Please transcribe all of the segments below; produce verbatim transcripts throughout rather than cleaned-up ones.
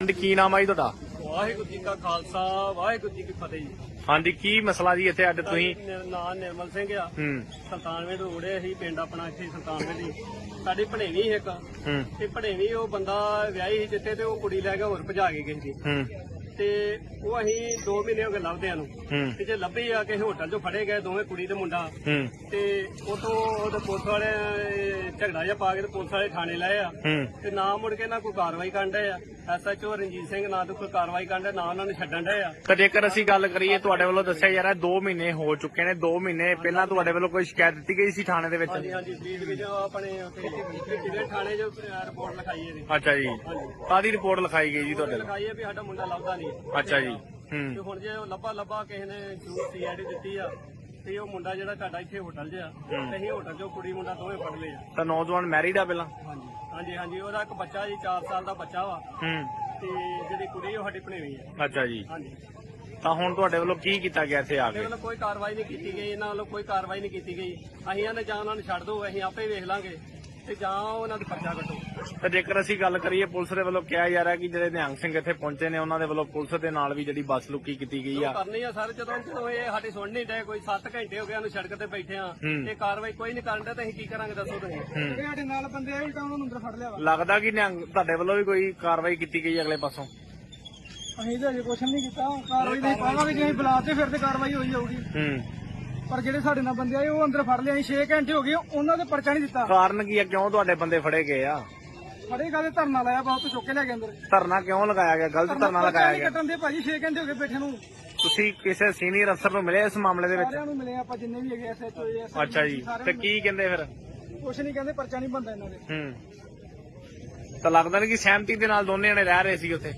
ਹਾਂਜੀ ਕੀ ਨਾਮ ਆ ਜੀ ਤੁਹਾਡਾ? ਵਾਹਿਗੁਰੂ ਜੀ ਕਾ ਖਾਲਸਾ ਵਾਹਿਗੁਰੂ ਜੀ ਕੀ ਫਤਿਹ ਜੀ। ਹਾਂਜੀ ਕੀ ਮਸਲਾ ਜੀ ਇੱਥੇ ਅੱਜ ਤੁਸੀਂ? ਮੇਰਾ ਨਾਮ ਨਿਰਮਲ ਸਿੰਘ ਆ। ਹੂੰ ਸੁਲਤਾਨਵੇਂ ਰੋੜੇ ਅਸੀਂ ਪਿੰਡ ਆਪਣਾ ਇੱਥੇ ਸੁਲਤਾਨਵੇਂ ਦੀ ਸਾਡੀ ਭਣੇਵੀਂ ਇੱਕ ਹੂੰ ਤੇ ਭਣੇਵੀਂ ਉਹ ਬੰਦਾ ਵਿਆਹੀ ਸੀ ਜਿੱਥੇ ਤੇ ਉਹ ਕੁੜੀ ਲੈ ਕੇ ਹੋਰ ਭਜਾ ਕੇ ਗਈ ਸੀ ਹੂੰ ਤੇ ਉਹ ਅਸੀਂ ਦੋ ਮਹੀਨੇ ਹੋ ਗਏ ਲੱਭਦਿਆਂ ਨੂੰ ਹੂੰ ਤੇ ਜੇ ਲੱਭੀ ਆ ਕਿਸੇ ਹੋਟਲ 'ਚੋਂ ਫੜੇ ਗਏ ਦੋਵੇਂ ਕੁੜੀ ਤੇ ਮੁੰਡਾ ਹੂੰ ਤੇ ਉਤੋਂ ਉਹਦੇ ਪੁਲਿਸ ਵਾਲੇ ਝਗੜਾ ਜਿਹਾ ਪਾ ਕੇ ਤੇ ਪੁਲਿਸ ਵਾਲੇ ਥਾਣੇ ਲਾਏ ਆ ਹੂੰ ਤੇ ਨਾ ਮੁੜ ਕੇ ਨਾ ਕੋਈ ਕਾਰਵਾਈ ਕਰਨ ਡਏ ਆ। ਐਸਐਚਓ ਰਣਜੀਤ ਸਿੰਘ ਨਾ ਤੋਂ ਕੋਈ ਕਾਰਵਾਈ ਕਰਨ ਡਏ ਨਾ ਉਹਨਾਂ ਨੂੰ ਛੱਡਣ ਡਏ ਆ। ਤਾਂ ਜੇਕਰ ਅਸੀਂ ਗੱਲ ਕਰੀਏ ਤੁਹਾਡੇ ਵੱਲੋਂ ਦੱਸਿਆ ਜਾ ਰਿਹਾ ਦੋ ਮਹੀਨੇ ਹੋ ਚੁੱਕੇ ਨੇ, ਦੋ ਮਹੀਨੇ ਪਹਿਲਾਂ ਤੁਹਾਡੇ ਵੱਲੋਂ ਕੋਈ ਸ਼ਿਕਾਇਤ ਦਿੱਤੀ ਗਈ ਸੀ ਥਾਣੇ ਦੇ ਵਿੱਚ? ਹਾਂਜੀ ਹਾਂਜੀ ਪਲੀਜ਼ ਵੀ ਜੋ ਆਪਣੇ ਜਿਹੜੇ ਥਾਣੇ 'ਚ ਰਿਪੋਰਟ ਲਿਖਾਈ ਹੈ ਜੀ। ਅੱਛਾ ਜੀ, ਕਾਹਦੀ ਰਿਪੋਰਟ ਲਿਖਾਈ ਗਈ ਜੀ ਤੁਹਾਡੇ ਵੱਲੋਂ? ਲਿਖਾਈ ਹੈ ਵੀ ਸਾਡਾ ਮੁੰਡਾ ਲੱਭਦਾ ਨਹੀਂ। ਅੱਛਾ ਜੀ। ਤੇ ਹੂੰ ਹੁਣ ਜੇ ਉਹ ਲੱਭਾ ਲੱਭਾ ਕਿਸੇ ਨੇ ਜੂਸ ਸੀਆਈਡੀ ਦਿੱਤੀ ਆ ਤੇ ਉਹ ਮੁੰਡਾ ਜਿਹੜਾ ਤੁਹਾਡਾ ਇੱਥੇ ਹੋਟਲ 'ਚ ਆ ਤੇ ਅਸੀਂ ਹੋਟਲ 'ਚੋਂ ਕੁੜੀ ਮੁੰਡਾ ਦੋਵੇਂ ਫੜ ਲਏ ਆ। ਤਾਂ ਨੌਜਵਾਨ ਮੈਰਿਡ ਆ ਪਹਿਲਾਂ? ਹਾਂਜੀ ਹਾਂਜੀ ਹਾਂਜੀ ਉਹਦਾ ਇੱਕ ਬੱਚਾ ਜੀ ਚਾਰ ਸਾਲ ਦਾ ਬੱਚਾ ਵਾ ਹੂੰ ਤੇ ਜਿਹੜੀ ਕੁੜੀ ਉਹ ਸਾਡੀ ਭਣੇਵੀਂ ਆ। ਅੱਛਾ ਜੀ। ਹਾਂਜੀ ਤਾਂ ਹੁਣ ਤੁਹਾਡੇ ਵੱਲੋਂ ਕੀ ਕੀਤਾ ਗਿਆ ਇੱਥੇ ਆ ਸਾਡੇ ਕੇ? ਵੱਲੋਂ ਕੋਈ ਕਾਰਵਾਈ ਨਹੀਂ ਕੀਤੀ ਗਈ, ਇਹਨਾਂ ਵੱਲੋਂ ਕੋਈ ਕਾਰਵਾਈ ਨਹੀਂ ਕੀਤੀ ਗਈ। ਅਸੀਂ ਇਹਨਾਂ ਜਾਂ ਉਹਨਾਂ ਨੂੰ ਛੱਡ ਦਿਓ, ਅਸੀਂ ਆਪੇ ਵੇਖ ਲਾਂਗੇ ਤੇ ਜਾਂ ਉਹਨਾਂ ਦਾ ਪਰਚਾ ਕੱਟੋ। ਤਾਂ ਜੇਕਰ ਅਸੀਂ ਗੱਲ ਕਰੀਏ ਪੁਲਿਸ ਦੇ ਵੱਲੋਂ ਕਿਹਾ ਜਾ ਰਿਹਾ ਕਿ ਜਿਹੜੇ ਨਿਹੰਗ ਸਿੰਘ ਇੱਥੇ ਪਹੁੰਚੇ ਨੇ ਉਹਨਾਂ ਦੇ ਵੱਲੋਂ ਪੁਲਿਸ ਦੇ ਨਾਲ ਵੀ ਜਿਹੜੀ ਬੱਸ ਲੁੱਕੀ ਕੀਤੀ ਗਈ ਆ। ਕਰਨੀ ਆ ਸਰ, ਜਦੋਂ ਜਦੋਂ ਇਹ ਸਾਡੀ ਸੁਣ ਨਹੀਂ ਡਏ, ਕੋਈ ਸੱਤ ਘੰਟੇ ਹੋ ਗਏ ਉਹਨੂੰ ਸੜਕ ਤੇ ਬੈਠੇ ਆ ਹੂੰ। ਤੇ ਕਾਰਵਾਈ ਕੋਈ ਨਹੀਂ ਕਰਨ ਡਿਆ ਤੇ ਅਸੀਂ ਕੀ ਕਰਾਂਗੇ ਦੱਸੋ ਤੁਸੀਂ? ਹੂੰ। ਸਾਡੇ ਨਾਲ ਬੰਦੇ ਆਏ ਉਲਟਾ ਉਹਨਾਂ ਨੂੰ ਅੰਦਰ ਫੜ ਲਿਆ ਵਾ। ਲੱਗਦਾ ਕਿ ਨਿਹੰਗ ਤੁਹਾਡੇ ਵੱਲੋਂ ਵੀ ਕੋਈ ਕਾਰਵਾਈ ਕੀਤੀ ਗਈ ਅਗਲੇ ਪਾਸੋਂ? ਅਸੀਂ ਤਾਂ ਅਜੇ ਕੁਛ ਨਹੀਂ ਕੀਤਾ, ਕਾਰਵਾਈ ਨਹੀਂ ਪਾਵਾਂਗੇ। ਜੇ ਅਸੀਂ ਬੁਲਾਤੇ ਫਿਰ ਤੇ ਕਾਰਵਾਈ ਹੋਈ ਜਾਊਗੀ। ਹੂੰ। ਪਰ ਜਿਹੜੇ ਸਾਡੇ ਨਾਲ ਬੰਦੇ ਆਏ ਉਹ ਅੰਦਰ ਫੜ ਲਿਆ। ਅਸੀਂ ਛੇ ਘੰਟੇ ਹੋ ਗਏ ਉਹਨਾਂ ਦੇ ਪਰਚਾ ਨਹੀਂ ਦਿੱਤਾ। ਕਾਰਨ ਕੀ ਆ, ਕਿਉਂ ਤੁਹਾਡੇ ਬੰਦੇ ਫੜੇ ਗਏ ਆ? ਫੜੇਗਾ ਤੇ ਧਰਨਾ ਲਾਇਆ ਬਹੁਤ ਚੁੱਕ ਕੇ ਲੈ ਗਏ ਅੰਦਰ। ਧਰਨਾ ਕਿਉਂ ਲਗਾਇਆ ਗਿਆ? ਗਲਤ ਧਰਨਾ ਲਗਾਇਆ ਗਿਆ। ਕੱਟਣ ਦੇ ਭਾਜੀ ਛੇ ਘੰਟੇ ਹੋ ਗਏ ਬੈਠੇ ਨੂੰ। ਤੁਸੀਂ ਕਿਸੇ ਸੀਨੀਅਰ ਅਫਸਰ ਨੂੰ ਮਿਲੇ ਇਸ ਮਾਮਲੇ ਦੇ ਵਿੱਚ? ਸਾਰਿਆਂ ਨੂੰ ਮਿਲੇ ਆਪਾਂ ਜਿੰਨੇ ਵੀ ਹੈਗੇ ਐਸਐਚਓ ਐਸ। ਅੱਛਾ ਜੀ, ਤੇ ਕੀ ਕਹਿੰਦੇ ਫਿਰ? ਕੁਛ ਨਹੀਂ ਕਹਿੰਦੇ, ਪਰਚਾ ਨਹੀਂ ਬੰਦਾ ਇਹਨਾਂ ਦੇ। ਹੂੰ। ਤਾਂ ਲੱਗਦਾ ਨਹੀਂ ਕਿ ਸਹਿਮਤੀ ਦੇ ਨਾਲ ਦੋਨੇ ਜਣੇ ਰਹਿ ਰਹੇ ਸੀ ਉੱਥੇ?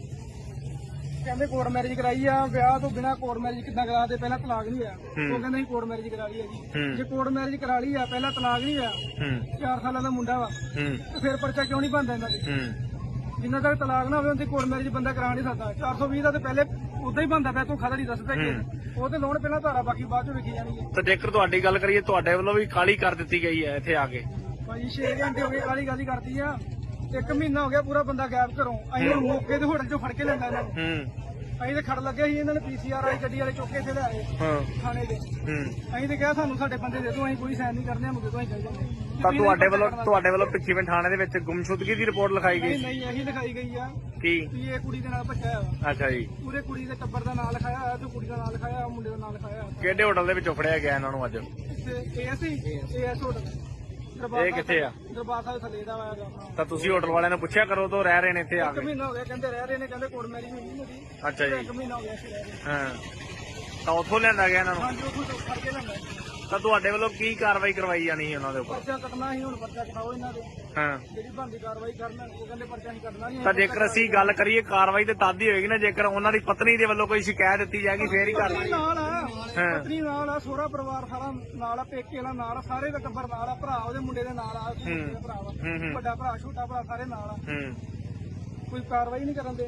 ਕਹਿੰਦੇ ਕੋਰਟ ਮੈਰਿਜ ਕਰਾਈ ਆ, ਵਿਆਹ ਤੋਂ ਬਿਨਾ ਕੋਰਟ ਮੈਰਿਜ ਕਿੱਦਾਂ ਕਰਾ ਦੇ? ਪਹਿਲਾਂ ਤਲਾਕ ਨਹੀਂ ਹੋਇਆ। ਹੂੰ। ਉਹ ਕਹਿੰਦੇ ਅਸੀਂ ਕੋਰਟ ਮੈਰਿਜ ਕਰਾ ਲਈ ਆ ਹੂੰ। ਜੀ। ਜੇ ਕੋਰਟ ਮੈਰਿਜ ਕਰਾ ਲਈ ਆ, ਪਹਿਲਾਂ ਤਲਾਕ ਨਹੀਂ ਹੋਇਆ, ਹੂੰ ਚਾਰ ਸਾਲਾਂ ਦਾ ਮੁੰਡਾ ਵਾ, ਹੂੰ ਤੇ ਫਿਰ ਪਰਚਾ ਕਿਉਂ ਨਹੀਂ ਬਣਦਾ ਇਹਨਾਂ ਦੇ? ਹੂੰ ਜਿੰਨਾ ਤੱਕ ਤਲਾਕ ਨਾ ਹੋਵੇ ਉਹਦੀ ਕੋਰਟ ਮੈਰਿਜ ਬੰਦਾ ਕਰਾ ਨਹੀਂ ਸਕਦਾ। ਚਾਰ ਸੌ ਵੀਹ ਦਾ ਤੇ ਪਹਿਲੇ ਉਦਾਂ ਹੀ ਬਣਦਾ ਪਿਆ, ਤੂੰ ਖਦਾ ਨਹੀਂ ਦੱਸਦਾ ਕਿ ਉਹ ਤੇ ਲੋਨ ਪਹਿਲਾਂ ਧਾਰਾ ਬਾਕੀ ਬਾਅਦ ਚ ਵੇਖੀ ਜਾਣੀ ਹੈ। ਤਾਂ ਜੇਕਰ ਤੁਹਾਡੀ ਗੱਲ ਕਰੀਏ ਤੁਹਾਡੇ ਵੱਲੋਂ ਵੀ ਕਾਲੀ ਕਰ ਦਿੱਤੀ ਗਈ ਹੈ ਇੱਥੇ ਆ ਕੇ? ਭਾਜੀ ਛੇ ਘੰਟੇ ਹੋ ਗਏ ਕਾਲੀ ਗਾਲੀ ਕਰਦੀ ਆ। ਇੱਕ ਮਹੀਨਾ ਹੋ ਗਿਆ ਪੂਰਾ ਬੰਦਾ ਗਾਇਬ ਘਰੋਂ। ਅਸੀਂ ਹੁਣ ਮੌਕੇ ਤੇ ਹੋਟਲ ਚੋਂ ਫੜ ਕੇ ਲੈਂਦਾ ਇਹਨਾਂ ਨੂੰ। ਹੂੰ। ਅਸੀਂ ਤੇ ਖੜ ਲੱਗੇ ਸੀ, ਇਹਨਾਂ ਨੇ ਪੀਸੀਆਰ ਵਾਲੀ ਗੱਡੀ ਵਾਲੇ ਚੁੱਕ ਕੇ ਇੱਥੇ ਲਿਆਏ ਹਾਂ। ਥਾਣੇ ਦੇ। ਹੂੰ। ਅਸੀਂ ਤੇ ਕਿਹਾ ਸਾਨੂੰ ਸਾਡੇ ਬੰਦੇ ਦੇ ਦਿਓ, ਅਸੀਂ ਕੋਈ ਸਾਈਨ ਨਹੀਂ ਕਰਨੇ, ਸਾਨੂੰ ਦੇ ਦਿਓ, ਅਸੀਂ ਚੱਲ ਜਾਂਦੇ। ਤਾਂ ਤੁਹਾਡੇ ਵੱਲੋਂ ਤੁਹਾਡੇ ਵੱਲੋਂ ਪਿੱਛੇਵੇਂ ਥਾਣੇ ਦੇ ਵਿੱਚ ਗੁੰਮਸ਼ੁਦਗੀ ਦੀ ਰਿਪੋਰਟ ਲਿਖਾਈ ਨਹੀਂ ਗਈ? ਨਹੀਂ ਇਹੀ ਲਿਖਾਈ ਗਈ ਆ ਕੀ? ਵੀ ਇਹ ਕੁੜੀ ਦੇ ਨਾਲ ਭੱਜਿਆ ਵਾ। ਅੱਛਾ ਜੀ। ਪੂਰੇ ਕੁੜੀ ਦੇ ਟੱਬਰ ਦਾ ਨਾਂ ਲਿਖਾਇਆ ਹੋਇਆ ਤੇ ਕੁੜੀ ਦਾ ਨਾਂ ਲਿਖਾਇਆ ਹੋਇਆ, ਮੁੰਡੇ ਦਾ ਨਾਂ ਲਿਖਾਇਆ ਹੋਇਆ। ਕਿਹੜੇ ਹੋਟਲ ਦੇ ਵਿੱਚੋਂ ਫੜਿਆ ਗਿਆ ਇਹਨਾਂ ਨੂੰ ਅੱਜ? ਇੱਥੇ ਏਐਸ ਹੀ ਏਐਸ ਹੋਟਲ ਇਹ ਕਿੱਥੇ ਆ? ਦਰਬਾਰ ਸਾਹਿਬ ਥੱਲੇ ਦਾ ਆਇਆ ਗਾ। ਤਾਂ ਤੁਸੀਂ ਹੋਟਲ ਵਾਲਿਆਂ ਨੂੰ ਪੁੱਛਿਆ ਕਰੋ ਤੋਂ ਰਹਿ ਰਹੇ ਨੇ ਇੱਥੇ ਆ ਇੱਕ ਕੇ? ਮਹੀਨਾ ਹੋ ਗਿਆ ਕਹਿੰਦੇ ਰਹਿ ਰਹੇ ਨੇ, ਕਹਿੰਦੇ ਕੋਰਟ ਮੈਰਿਜ ਹੋਈ ਨਹੀਂ ਮੇਰੀ। ਅੱਛਾ ਜੀ। ਇੱਕ ਮਹੀਨਾ ਹੋ ਗਿਆ ਸੀ ਰਹਿ ਰਹੇ। ਹਾਂ। ਤਾਂ ਉੱਥੋਂ ਲਿਆਂਦਾ ਗਿਆ ਇਹਨਾਂ ਨੂੰ? ਹਾਂਜੀ ਉੱਥੋਂ ਤੋਂ ਫੜ ਕੇ ਲੈਂਦਾ। ਤਾਂ ਤੁਹਾਡੇ ਵੱਲੋਂ ਕੀ ਕਾਰਵਾਈ ਕਰਵਾਈ ਜਾਣੀ ਸੀ ਉਹਨਾਂ ਦੇ ਉੱਪਰ? ਪਰਚਾ ਕੱਟਣਾ ਸੀ, ਹੁਣ ਪਰਚਾ ਕਟਾਓ ਇਹਨਾਂ ਦੇ। ਹਾਂ। ਜਿਹੜੀ ਬਣਦੀ ਕਾਰਵਾਈ ਕਰਨ, ਉਹ ਕਹਿੰਦੇ ਪਰਚਾ ਨਹੀਂ ਕੱਟਣਾ ਨਹੀਂ। ਤਾਂ ਜੇਕਰ ਅਸੀਂ ਗੱਲ ਕਰੀਏ ਕਾਰਵਾਈ ਤੇ ਤਦ ਹੀ ਹੋਏਗੀ ਨਾ ਜੇਕਰ ਉਹਨਾਂ ਦੀ ਪਤਨੀ ਦੇ ਵੱਲੋਂ ਕੋਈ ਸ਼ਿਕਾਇਤ ਦਿੱਤੀ ਜਾਏਗੀ ਫੇਰ ਹੀ ਪਤਨੀ ਕਾਰਵਾਈ। ਨਾਲ ਆ, ਹਾਂ। ਪਤਨੀ ਨਾਲ ਆ, ਸਹੁਰਾ ਪਰਿਵਾਰ ਸਾਰਾ ਨਾਲ ਆ, ਪੇਕੇ ਵਾਲਾ ਨਾਲ ਆ, ਸਾਰੇ ਦਾ ਟੱਬਰ ਨਾਲ ਆ, ਭਰਾ ਉਹਦੇ ਮੁੰਡੇ ਦੇ ਨਾਲ ਆ, ਉਹਦੇ ਮੁੰਡੇ ਦਾ ਭਰਾ ਵਾ, ਹੂੰ, ਹੂੰ। ਵੱਡਾ ਭਰਾ ਛੋਟਾ ਭਰਾ ਸਾਰੇ ਨਾਲ ਆ। ਹੂੰ। ਕੋਈ ਕਾਰਵਾਈ ਨਹੀਂ ਕਰਨ ਦੇ।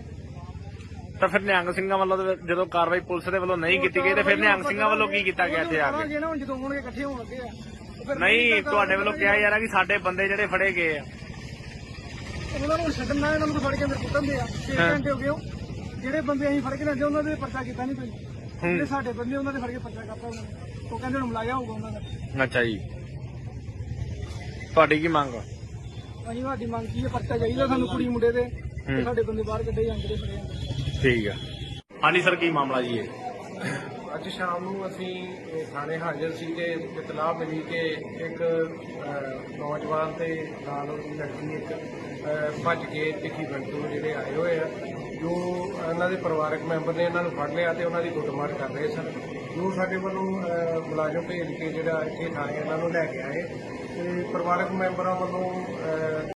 ਤਾਂ ਫਿਰ ਨਿਹੰਗ ਸਿੰਘਾਂ ਵੱਲੋਂ ਤੇ ਜਦੋਂ ਕਾਰਵਾਈ ਪੁਲਿਸ ਦੇ ਵੱਲੋਂ ਨਹੀਂ ਕੀਤੀ ਗਈ ਤੇ ਫਿਰ ਨਿਹੰਗ ਸਿੰਘਾਂ ਵੱਲੋਂ ਕੀ ਕੀਤਾ ਗਿਆ ਇੱਥੇ ਆ ਕੇ? ਕਰਾਂਗੇ ਨਾ, ਹੁਣ ਜਦੋਂ ਹੋਣਗੇ ਇਕੱਠੇ ਹੋਣ ਲੱਗੇ ਆ। ਤੇ ਫਿਰ ਨਹੀਂ, ਤੁਹਾਡੇ ਵੱਲੋਂ ਕਿਹਾ ਜਾ ਰਿਹਾ ਕਿ ਸਾਡੇ ਬੰਦੇ ਜਿਹੜੇ ਫੜੇ ਗਏ ਆ। ਉਹਨਾਂ ਨੂੰ ਛੱਡਣਾ, ਇਹਨਾਂ ਨੂੰ ਫੜ ਕੇ ਅੰਦਰ ਕੁੱਟਣ ਦੇ ਆ। ਛੇ ਹਾਂ। ਘੰਟੇ ਹੋ ਗਏ ਉਹ ਜਿਹੜੇ ਬੰਦੇ ਅਸੀਂ ਫੜ ਕੇ ਲੈਂਦੇ ਉਹਨਾਂ ਦੇ ਪਰਚਾ ਕੀਤਾ ਨਹੀਂ ਕੋਈ। ਜਿਹੜੇ ਸਾਡੇ ਬੰਦੇ ਉਹਨਾਂ ਦੇ ਫੜ ਕੇ ਪਰਚਾ ਕਰਤਾ ਉਹਨਾਂ ਨੇ। ਉਹ ਕਹਿੰਦੇ ਹੁਣ ਮਲਾਇਆ ਹੋਊਗਾ ਉਹਨਾਂ ਦਾ। ਅੱਛਾ ਜੀ। ਤੁਹਾਡੀ ਕੀ ਮੰਗ ਆ? ਅਸੀਂ ਸਾਡੀ ਮੰਗ ਕੀ ਹੈ, ਪਰਚਾ ਚਾਹੀਦਾ ਸਾਨੂੰ ਕੁੜੀ ਮੁੰਡੇ ਦੇ, ਤੇ ਸਾਡੇ ਬੰਦੇ ਬਾਹਰ ਕੱਢੇ ਜਾਂਦੇ ਨੇ ਫੜੇ ਜਾਂਦੇ। ਠੀਕ ਆ। ਹਾਂਜੀ ਸਰ, ਕੀ ਮਾਮਲਾ ਜੀ ਇਹ? ਅੱਜ ਸ਼ਾਮ ਨੂੰ ਅਸੀਂ ਇਹ ਥਾਣੇ ਹਾਜ਼ਰ ਸੀ ਕਿ ਇਤਲਾਹ ਮਿਲੀ ਕਿ ਇੱਕ ਅ, ਨੌਜਵਾਨ ਤੇ ਨਾਲ ਉਹਦੀ ਲੜਕੀ ਇੱਕ ਅ, ਭੱਜ ਕੇ ਤਿੱਖੀ ਬੰਦੂ ਜਿਹੜੇ ਆਏ ਹੋਏ ਆ, ਜੋ ਇਹਨਾਂ ਦੇ ਪਰਿਵਾਰਕ ਮੈਂਬਰ ਨੇ ਇਹਨਾਂ ਨੂੰ ਫੜ ਲਿਆ ਤੇ ਉਹਨਾਂ ਦੀ ਕੁੱਟਮਾਰ ਕਰ ਰਹੇ ਸਨ। ਜੋ ਸਾਡੇ ਵੱਲੋਂ ਅ, ਮੁਲਾਜ਼ਮ ਭੇਜ ਕੇ ਜਿਹੜਾ ਇੱਥੇ ਥਾਣੇ ਇਹਨਾਂ ਨੂੰ ਲੈ ਕੇ ਆਏ ਤੇ ਪਰਿਵਾਰਕ ਮੈਂਬਰਾਂ ਵੱਲੋਂ ਅ,